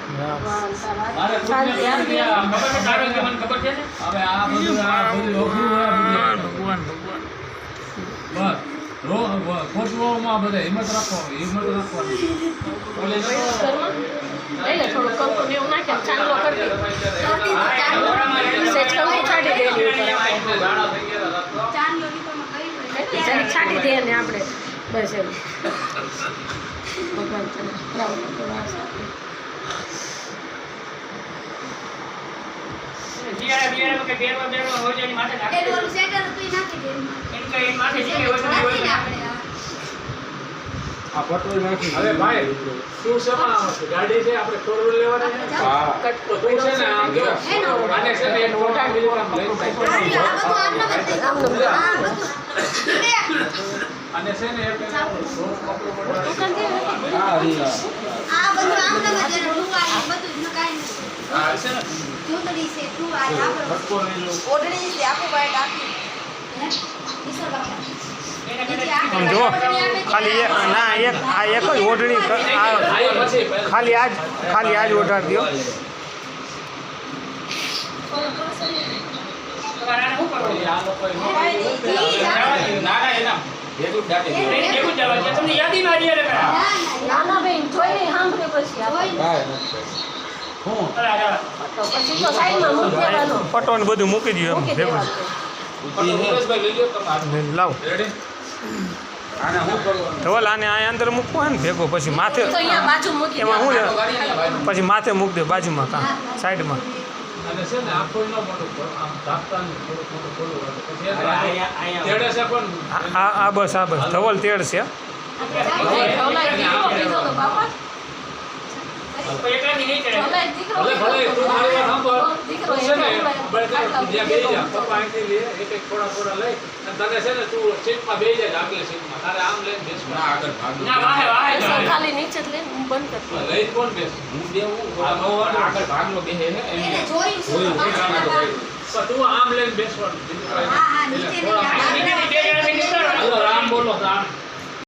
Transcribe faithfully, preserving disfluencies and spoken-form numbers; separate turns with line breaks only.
ભગવાન ભગવાન ખોટવામાં બધા હિંમત રાખો હિંમત રાખવાની
થોડું કંકુ ને એવું નાખે ચાંદલો કરી સેજ કંકુ છાંટી દે જરીક છાંટી દે ને આપણે બસ એમ ભગવાન તને
બિયારા બિયારા કે બેરવા બેરવા હોય છે એની માથે નાખી દે.
ઓલું સેટર તું નાખી દે.
એમ કે એની માથે જે હોય છે
નાખી દે આપણે
આ પટોઈ નાખી
અરે ભાઈ શું શેમાં આવે છે ગાડી છે આપણે ફોર વ્હીલ લેવાની છે
હા
તો તું છે ને આમ જો આને છે ને એક મોટા બીજું કામ લઈ જાય
આ બધું આમ ન કરતે. આ બધું
અને છે ને એક સોફ કપડું પડે
હા રીલા
આ બધું આમ ન કરતે. તું આ બધું ન કાઈ નથી.
હા છે ને
જોતડી છે તું આ આપણો
ફટકો લઈ લો
ઓઢણી છે આખો બાઈટ આખી હે ઈશ્વર બાપા
આમ જો ખાલી એક ના એક આ એક જ ઓઢણી ક- આ ખાલી આજ ખાલી આજ ઓઢાડી દો
તમારે આને શું કરવું?
આ લોકો
ના ના એના ભેગું ડાટી દો
એ કેવું જવા છે તમને યાદીમાં આવી એટલે કરા.
નાના બેન જોઈને સાંભળે પછી આપણે
કાંઈ નથી હું
અરે અરે
તો પછી તો સાઈડમાં મૂકી દેવાનો
પટો ને બધું મૂકી દો એમ
મૂકી
ભેગું
દેવાનું
સુરેશભાઈ લઈ લો તમે
લાવ
રેડી આને શું કરવાનું
ધવલ આને આ અંદર મૂકવો હોય ને ભેગો પછી માથે
તો અહીંયા બાજુ મૂકી
એમાં શું
દેવાનું
છે?
ગાડી ને ભાઈ
પછી માથે મૂકી દે બાજુમાં કાં સાઈડમાં
અને છે ને આખો ન મોટું આમ તાપતા ને થોડું થોડું ખોલું હોય તો પછી
અહીંયા અહીંયા
તેડે છે પણ
આ આ- આ બસ આ બસ ધવલ તેડ છે
ઢોલાઈ દીકરો કીધો તો બાપા
તો એકલાથી નહીં ચડે.
ઢોલાઈ દીકરો
ભલે ભલે તું મારી વાત સાંભળ
દીકરો
તું છે ને
એકલો
બળે
આટલા
જ્યાં બેસી જા
ભેગો
પપ્પા અહીંથી લે એક એક થોડા થોડા લઈ અને તને છે ને તું સીટમાં બેસી જાય આગલી સીટમાં તારે આમ લઈને બેસવું
ના આગળ ભાગું
ના વાહે વાહે
બેસો,
જાય.
ખાલી નીચે જ લઈને હું બંધ કરતી
લઈને કોણ બેસે
હું દેવું આ નો આગળ ભાગનો બેહે હે
એને
એમ
જોયું છે
જોયું,
પાછળ
જોયું.
બાજુ.
પણ તું આમ લઈને બેસવાનું બીજું કાંઈ
હા હા
નહીં.
નીચે
એટલે
નહીં
થોડા
આ
નીચેથી બે જણાથી નીકળો ને.
હાલો રામ બોલો રામ